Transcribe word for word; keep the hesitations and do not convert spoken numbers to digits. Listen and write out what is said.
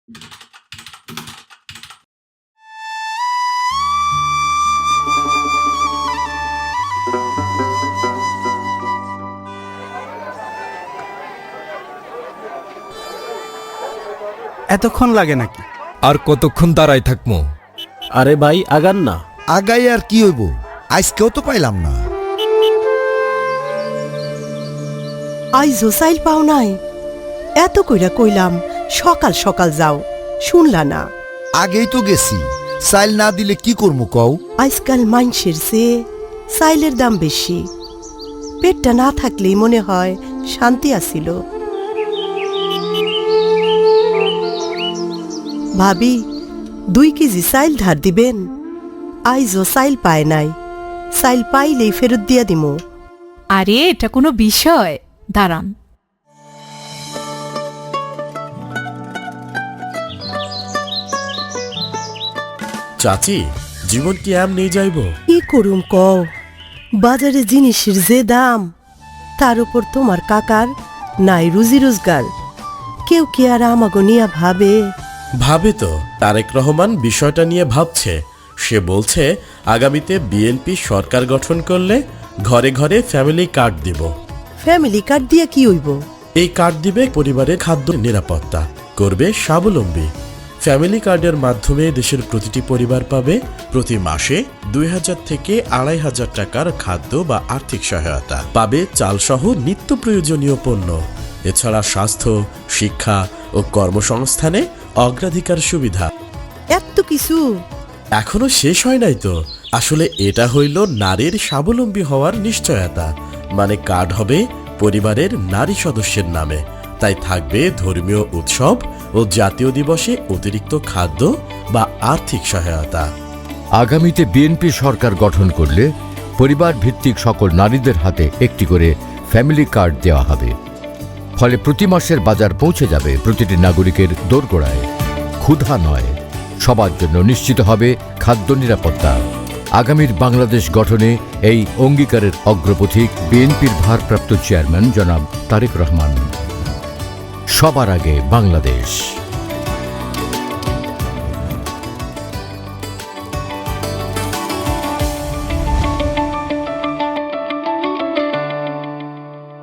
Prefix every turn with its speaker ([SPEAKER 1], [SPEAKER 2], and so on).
[SPEAKER 1] এতক্ষণ লাগে নাকি?
[SPEAKER 2] আর কতক্ষণ দাঁড়ায় থাকবো?
[SPEAKER 3] আরে ভাই আগান না।
[SPEAKER 4] আগাই আর কি হইব, আজকেও তো পাইলাম না।
[SPEAKER 5] আইজো চাইল পাও নাই? এত কইরা কইলাম সকাল সকাল যাও, শুনলা না।
[SPEAKER 4] আগেই তো গেছি, চাইল না দিলে কি করবো কও?
[SPEAKER 5] আজকাল মাইনষের চেয়ে চাইলের দাম বেশি। পেটটা না থাকলেই মনে হয় শান্তি আসিল। ভাবি, দুই কেজি চাইল ধার দিবেন? আইজো চাইল পায় নাই, চাইল পাইলেই ফেরত দিয়া দিমু।
[SPEAKER 6] আরে এটা কোনো বিষয়, দাঁড়ান।
[SPEAKER 3] চাচি, জীবন কি এম নিয়ে যাইব?
[SPEAKER 5] কি করুম কও, বাজারে জিনিসের যে দাম, তার উপর তোমার কাকার নাই রুজি রোজগার। কেউ কি আর আমাগো নিয়া ভাবে?
[SPEAKER 3] ভাবে তো। তারেক রহমান বিষয়টা নিয়ে ভাবছে। সে বলছে আগামীতে বিএনপি সরকার গঠন করলে ঘরে ঘরে ফ্যামিলি কার্ড দিব।
[SPEAKER 5] ফ্যামিলি কার্ড দিয়া কি হইব?
[SPEAKER 3] এই কার্ড দিবে পরিবারের খাদ্য নিরাপত্তা, করবে স্বাবলম্বী। ফ্যামিলি কার্ডের মাধ্যমে দেশের প্রতিটি পরিবার পাবে প্রতি মাসে দুই হাজার থেকে আড়াই হাজার টাকার খাদ্য বা আর্থিক সহায়তা, পাবে চালসহ নিত্য প্রয়োজনীয় পণ্য। এছাড়া স্বাস্থ্য, শিক্ষা ও কর্মসংস্থানে অগ্রাধিকার সুবিধা।
[SPEAKER 5] এত কিছু
[SPEAKER 3] এখনো শেষ হয় নাই তো। আসলে এটা হইল নারীর স্বাবলম্বী হওয়ার নিশ্চয়তা। মানে কার্ড হবে পরিবারের নারী সদস্যের নামে, তাই থাকবে ধর্মীয় উৎসব ও জাতীয় দিবসে অতিরিক্ত খাদ্য বা আর্থিক সহায়তা।
[SPEAKER 7] আগামীতে বিএনপি সরকার গঠন করলে পরিবার ভিত্তিক সকল নারীদের হাতে একটি করে ফ্যামিলি কার্ড দেওয়া হবে। ফলে প্রতি মাসের বাজার পৌঁছে যাবে প্রতিটি নাগরিকের দোরগোড়ায়। ক্ষুধা নয়, সবার জন্য নিশ্চিত হবে খাদ্য নিরাপত্তা। আগামীর বাংলাদেশ গঠনে এই অঙ্গীকারের অগ্রপথিক বিএনপির ভারপ্রাপ্ত চেয়ারম্যান জনাব তারেক রহমান। সবার আগে বাংলাদেশ।